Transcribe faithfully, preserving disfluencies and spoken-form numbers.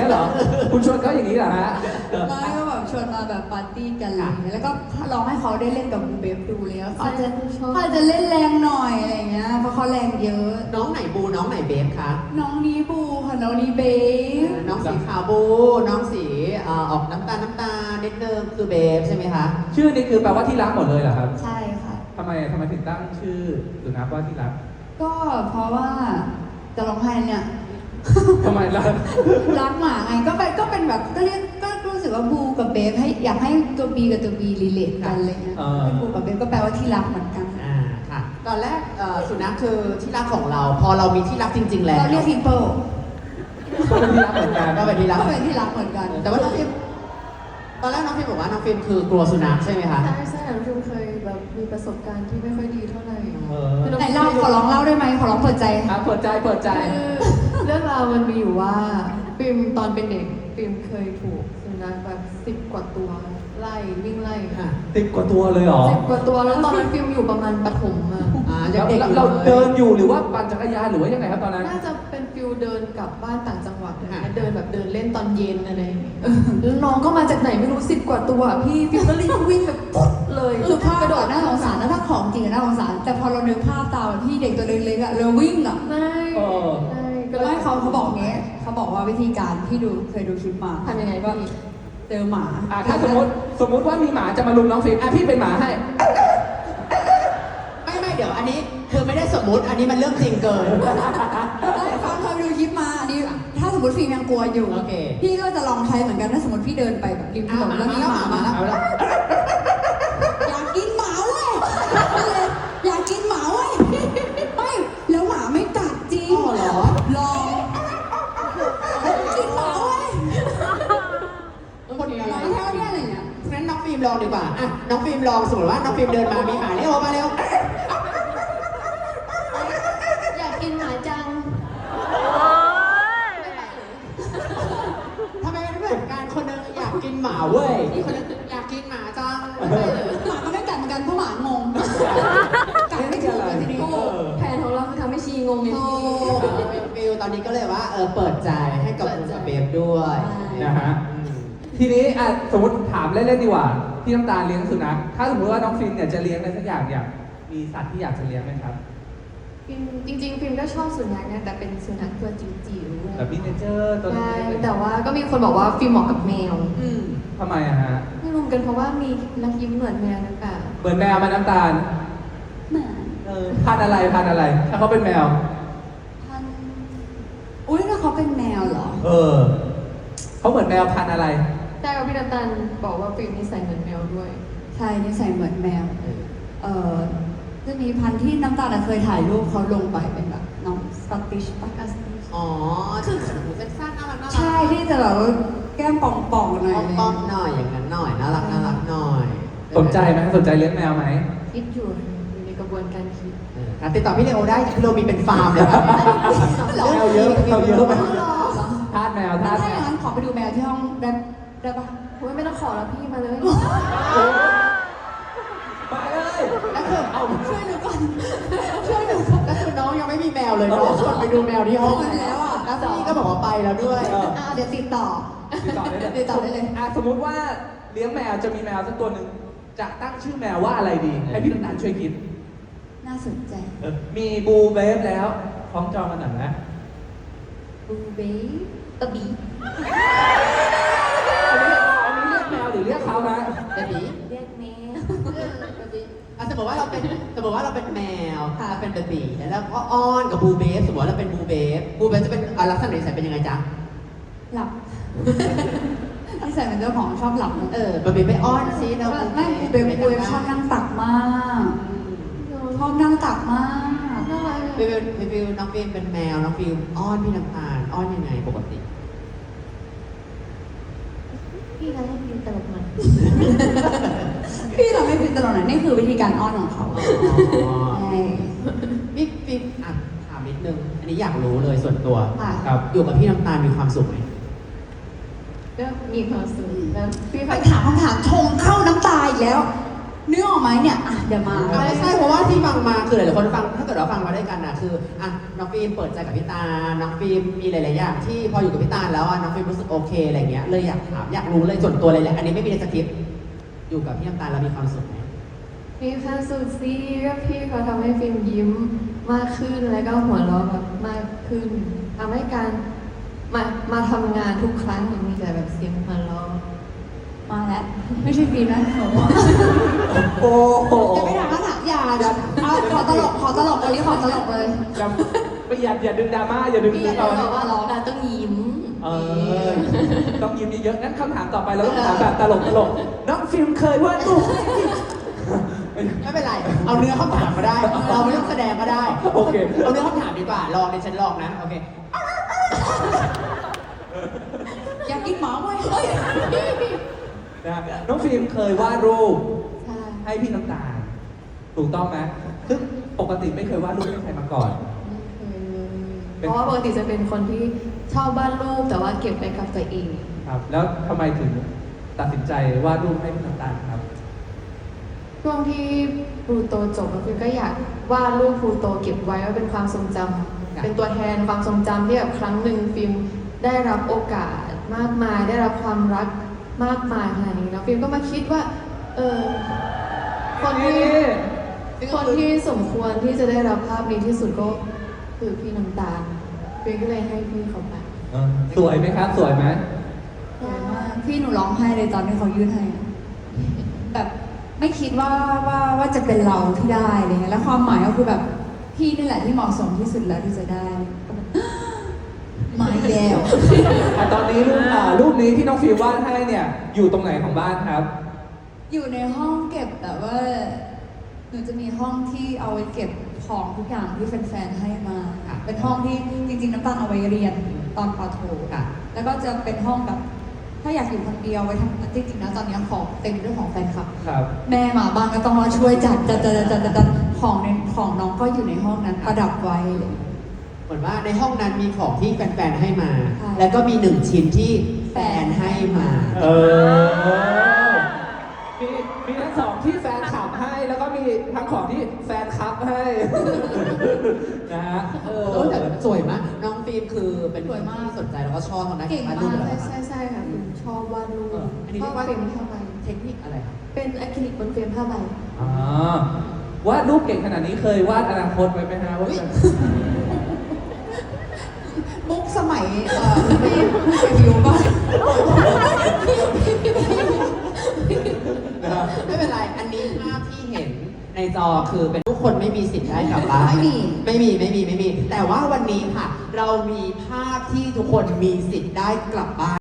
งี้ยเหรอคุณชวนเขาอย่างนี้เหรอฮะไม่ก็แบบชวนมาแบบปาร์ตี้กันอะไรอย่างเงี้ยแล้วก็ลองให้เขาได้เล่นกับบูเบฟดูเลยว่าเขาจะเขาจะเล่นแรงหน่อยอะไรอย่างเงี้ยเพราะเขาแรงเยอะน้องไหนบูน้องไหนเบฟคะน้องนี้บูค่ะน้องนี้เบฟน้องสีขาวบู น้องสีเอ่อออกน้ำตาลน้ำตาลนิดนึงคือเบฟใช่ไหมคะชื่อนี้คือแปลว่าที่รักหมดเลยเหรอครับใช่ค่ะทำไมทำไมถึงตั้งชื่อสุนัขว่าที่รักก็เพราะว่าจะร้องไห้เนี่ยทำไมล่ะรักหมาไงก็เป็นก็เป็นแบบก็เรียกก็รู้สึกว่าบูกับเบฟให้อยากให้ตัวบีกับตัวบีรีเลทกันอะไรเงี้ยเออเป็นบูกับเบฟก็แปลว่าที่รักเหมือนกันอ่าค่ะ ตอนแรกเอ่อสุนัขคือที่รักของเรา พอเรามีที่รักจริง ๆ แล้วเราเรียกพิมเปิลก็เป็นที่รักเหมือนกันก็เป็นที่รักก็เป็นที่รักเหมือนกันแต่ว่าน้องฟิล์มตอนแรกน้องฟิล์มบอกว่าน้องฟิล์มคือกลัวสุนัขใช่ไหมคะใช่ใช่น้องฟิล์มเคยแบบมีประสบการณ์ที่ไม่ค่อยดีเท่าไหร่เออคือน้องไหนเล่าขอร้องเล่าได้ไหมขอร้องเปิดใจอ่ะเปิดใจเปิดใจคือเรื่องราวมันมีอยู่ว่าฟิล์มตอนเป็นเด็กฟิล์มเคยถูกสุนัขแบบสิบกว่าตัวไล่วิ่งไล่ค่ะติดกว่าตัวเลยเหรอสิบกว่าตัวแล้วตอนนั้นฟิล์มอยู่ประมาณประถมอะอ่าแล้ยังวเด็กอยู่เราลยเดินอยู่หรือว่าปั่นจักรยานหรือว่ายังไงครับตอนนั้นน่าจะเป็นฟิลเดินกลับบ้านต่างจังหวัดอะไรค่ะเงี้ยเดินแบบเดินเล่นตอนเย็นอะไรอย่างเงี้ยแล้วน้องก็มาจากไหนไม่รู้สิบกว่าตัวอะพี่ฟิล์มก็รีบวิ่งแบบปุ๊บเลยคือภาพกระโดดน่าสงสารนะถ้าของจริงอะน่าสงสาร แต่พอเรานึกภาพตามพี่เด็กตัวเล็กๆอะเราวิ่งอะใช่เออใช่ก็ก็เลยให้เขาเขาบอกเงี้ยเขาบอกว่าวิธีการที่ดูเคยดูคลิปมาทำยังไงก็พี่เจอหมาอ่ะถ้าสมมติสมมติว่ามีหมาจะมาลุมน้องฟิล์มอ่ะพี่เป็นหมาให้ไม่ไม่เดี๋ยวอันนี้คือไม่ได้สมมุติ อันนี้มันเรื่องจริงเกินฟังเคยไปดูคลิปมาอันนี้ถ้าสมมติฟิล์มยังกลัวอยู่โอเคพี่ก็จะลองใช้เหมือนกันถ้าสมมติพี่เดินไปแบบริมถนนแล้วมีหมามาเอาละอยากกินหมาเว้ยอยากกินหมาเว้ยไม่แล้วหมาไม่กัดจริงอ๋อเหรอลองกินหมาเว้ยคนนี้หมาแค่เนี้ยอะไรเงี้ยงั้นน้องฟิล์มลองดีกว่าอ่ะน้องฟิล์มลองสมมติว่าน้องฟิล์มเดินมา มีหมาเร็วมาเร็วอยากกินหมาจังทำไมมันไม่เหมือนกันคนหนึงอยากกินหมาเว้ยอีกคนหนึงอยากกินหมาจังหมาก็ไม่กัดเหมือนกันเพราะหมางงกัดไม่ถูกเลยทีนี้โอ้แผนของเราคือทำให้ชีงงไงโอ้พี่ฟิลตอนนี้ก็เลยว่าเออเปิดใจให้กับคุณกับเบฟด้วยนะฮะอืมทีนี้อ่ะสมมติถามเล่นๆดีกว่าพี่น้ำตาลเลี้ยงสุนัขถ้าสมมติว่าน้องฟิล์มเนี่ยจะเลี้ยงอะไรสักอย่างอยากมีสัตว์ที่อยากจะเลี้ยงไหมครับฟิล์มจริงๆฟิล์มก็ชอบสุนัขนะแต่เป็นสุนัขตัวจิ๋วๆแบบมินิเจอร์ตัวใช่เล็กๆแต่ว่าก็มีคนบอกว่าฟิล์มเหมาะกับแมวอืมทำไมอะฮะไม่รู้เหมือนกันเพราะว่ามีนักยิ้มเหมือนแมวหรือเปล่าเหมือนแมวไหมาน้ำตาลหมาเออพันธุ์อะไรพันธุ์อะไร ถ้าเขาเป็นแมวพันอุ้ยแล้วเขาเป็นแมวเหรอเออเขาเหมือนแมวพันธุ์อะไรใช่กับพี่น้ำตาลบอกว่าฟิล์มนิสัยเหมือนแมวด้วยใช่นิสัยเหมือนแมว เอ่อจะมีพันธุ์ที่น้ำตาลเคยถ่ายรูปเขาลงไปเป็นแบบน้องสกอตติชปะอ๋อคือหูสั้นๆน่ารักน่ารักใช่ที่จะแบบว่าแก้มป่องๆหน่อยป้อมๆหน่อยอย่างนั้นหน่อยน่ารักน่ารักหน่อยสนใจไหมสนใจเลี้ยงแมวไหมคิดอยู่อยู่ในกระบวนการคิดเออครับติดต่อพี่เลโอได้พี่เลโอมีเป็นฟาร์มเลยครับแมวเยอะแมวเยอะไหมทาสแมวทาถ้าสอแมย่างวนั้นขอไปดูแมวที่ห้องได้ได้ปะโอ้ยไม่ต้องขอแล้วพี่มาเลยมาเลยแล้วคือเอาช่วยหนูก่อนช่วยหนูก่อนแล้วคือน้องยังไม่มีแมวเลยน้องชวนไปดูแมวที่ห้องไปแล้วอะแล้วพี่ก็บอกว่าไปแล้วด้วยเอออ่าเดี๋ยวติดต่อติดต่อได้เลยติดต่อได้เลยอ่ะสมมุติว่าเลี้ยงแมวจะมีแมวสักตัวหนึ่งจะตั้งชื่อแมวว่าอะไรดี ให้พี่น้ำตาลช่วยคิดน่าสนใจเออมีบูเบฟแล้วคล้องจองกันหน่อยนะบูเบ้ตะบีอันนี้เรียกแมวหรือเรียกเขานะเบบีเรียกแมวอ่ะสมมติว่าเราเป็นสมมติว่าเราเป็นแมวเราเป็นเบบีแล้วเราก็อ้อนกับบูเบฟสมมติว่าเราเป็นบูเบฟบูเบฟจะเป็นอ่ะลักษณะนิสัยเป็นยังไงจ๊ะหลับนิสัยเป็นเจ้าของชอบหลับนะเออเบบีไปอ้อนซิเราไม่บูเบ้บูเบ้ชอบนั่งตักมากชอบนั่งตักมากน่ารักฟิวฟิวฟิวน้องฟิล์มเป็นแมวน้องฟิล์มอ้อนพี่น้ำตาลอ้อนยังไงปกติพี่นะให้ฟิล์มตลกมันพี่เราไม่เป็นตลอดนะนี่คือวิธีการอ้อนของเขาใช่พี่ฟิล์มอ่ะถามนิดนึงอันนี้อยากรู้เลยส่วนตัวค่ะครับอยู่กับพี่น้ำตาลมีความสุขไหมก็มีความสุขแล้วพี่ไปพักถามคำถามชงเข้าน้ำตาอีกแล้วนึกออกไหมเนี่ยอ่ะเดี๋ยวมาไม่ใช่เพราะว่าที่ฟังมาคือหลายๆคนฟังถ้าเกิดเราฟังมาด้วยกันนะคืออ่ะน้องฟิล์มเปิดใจกับพี่ตาลน้องฟิล์มมีหลายๆอย่างที่พออยู่กับพี่ตาลแล้วอ่ะน้องฟิล์มรู้สึกโอเคอะไรเงี้ยเลยอยากถามอยากรู้เลยส่วนตัวเลยแหละอันนี้ไม่มีในสคริปต์อยู่กับพี่น้ำตาลแล้วมีความสุขไหมมีความสุขสิก็พี่เขาทำให้ฟิล์มยิ้มมากขึ้นแล้วก็หัวเราะแบบมากขึ้นทำให้การมามาทำงานทุกครั้งมีแต่แบบเสียงหัวเราะมาแล้วไม่ใช่ฟีนะหนูโอ้โหจะไม่ถามคำถามอย่าเอาขอตลกขอตลกวันนี้ขอตลกเลยอย่าไม่อย่าอย่าดึงดราม่าอย่าดึงพี่ดึอง ยากเอาจะบอกว่าร้องนะต้องยิ้มเออต้องยิ้มเยอะๆงั้นคำถามต่อไปเราต้องถามแบบตลกตลกๆน้องฟิล์มเคยวาดรูปไม่เป็นไร เอาเนื้อคำถามมาได้ เราไม่ต้องแสดงก็ได้โอเคเอาเนื้อคำถามดีกว่า ลองในฉันลองนะ โอเคอยากกินหมาไหมเฮ้ยนะน้องฟิล์มเคยวาดรูปใช่ให้พี่น้ำตาลถูกต้องไหมซึ่งปกติไม่เคยวาดรูปให้ใครมาก่อนไม่เคยเลยเป็นเพราะว่าปกติจะเป็นคนที่ชอบวาดรูปแต่ว่าเก็บไว้กับตัวเองครับ แล้วทำไมถึงตัดสินใจวาดรูปให้พี่น้ำตาลครับช่วงที่พลูโตจบฟิล์มก็อยากวาดรูปพลูโตเก็บไว้ว่าเป็นความทรงจำเป็นตัวแทนความทรงจำที่แบบครั้งหนึ่งฟิล์มได้รับโอกาสมากมาย ได้รับความรักมากมายขนาดนี้แล้วฟิล์มก็มาคิดว่า เออคนที่คนที่สมควรที่จะได้รับภาพนี้ที่สุดก็คือพี่น้ำตาลฟิล์มก็เลยให้พี่เขาไปเออสวยไหมครับ สวยไหมสวยมากพี่หนูร้องไห้เลยตอนที่เขายื่นให้อะแบบไม่คิดว่าว่าว่าจะเป็นเราที่ได้อะไรเงี้ยแล้วความหมายก็คือแบบพี่นี่แหละที่เหมาะสมที่สุดแล้วที่จะได้ มาอีกแล้วอ่ะตอนนี้รูปอ่ารูปนี้ที่น้องฟิล์มวาดให้เนี่ย อยู่ตรงไหนของบ้านครับอยู่ในห้องเก็บแต่ว่าหนูจะมีห้องที่เอาไว้เก็บของทุกอย่างที่แฟนๆให้มาค่ะเป็นห้องที่จริงๆน้ำตาลเอาไว้เรียนตอนปอโทค่ะ แล้วก็จะเป็นห้องแบบ ถ้าอยากอยู่คนเดียวไว้ทำจริงๆนะตอนนี้ของเต็มด้วยของแฟนคลับครับแม่มาบ้างก็ต้องมาช่วยจัดจัดจัดจัดจัดจัดของในของน้องก็อยู่ในห้องนั้นประดับไว้เลยเหมือนว่าในห้องนั้นมีของที่แฟนๆให้มาใช่แล้วก็มีหนึ่งชิ้นที่แฟนให้มาเออ มีมีทั้งสองที่แฟนคลับให้ แล้วก็มีทั้งของที่แฟนคลับให้ นะฮะเออแต่สวยมาก น้องฟิล์มคือเป็นสวยมากที่สนใจแล้วก็ชอบทางด้านเก่งมากรูปอยู่ใช่แล้วใช่ใช่ค่ะฟิล์มชอบวาดรูปเอออันนี้ชเรีอย บกว่าเฟรมผ้าใบเทคนิคอะไรครับเป็นอะคริลิกบนเฟรมผ้าใบอ่าวาดรูปเก่งขนาดนี้เคยวาดอนาคตไว้ไหมฮะว่าจะมุกสมัยเอ่อพี่พี่ไปวิวป่ะนะฮะไม่เป็นไร อันนี้ภาพที่เห็นในจอคือเป็นทุกคนไม่มีสิทธิ์ได้กลับบ้านไม่มีไม่มีไม่มีไม่มี แต่ว่าวันนี้ค่ะ เรามีภาพที่ทุกคนมีสิทธิ์ได้กลับบ้าน